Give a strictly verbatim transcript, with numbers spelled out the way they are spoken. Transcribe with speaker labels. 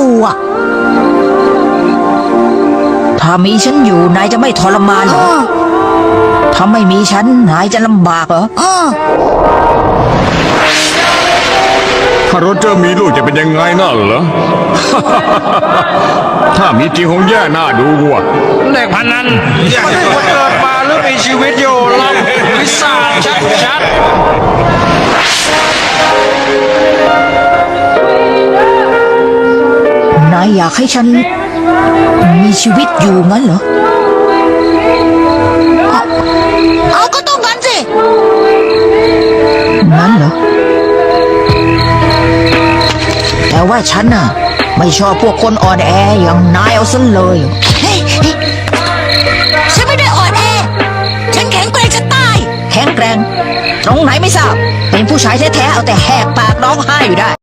Speaker 1: อยู่อ่ะถ้ามีฉันอยู่นายจะไม่ทรมานเหรอถ้าไม่มีฉันนายจะลำบากเหรอ
Speaker 2: ถ้าโรเจอร์มีลูกจะเป็นยังไงน่ะเหรอ ถ้ามีจริงคงแย่หน้าดูว่ะ
Speaker 3: เด็กพันนั้นมันเกิดมาหรือมีชีวิตอยู่ล่ะวิสาชัดชัด
Speaker 1: นายอยากให้ฉันมีชีวิตอยู่งั้นเหรอเอาก็ต้องงั้นสิงั้นเหรอแต่ว่าฉันน่ะไม่ชอบพวกคนอ่อนแออย่างนายเอาซะเลยเฮ้ยฉันไม่ได้อ่อนแอฉันแข็งแกร่งจะตายแข็งแกร่งตรงไหนไม่ทราบเป็นผู้ชายแท้ๆเอาแต่แหกปากร้องไห้อยู่ได้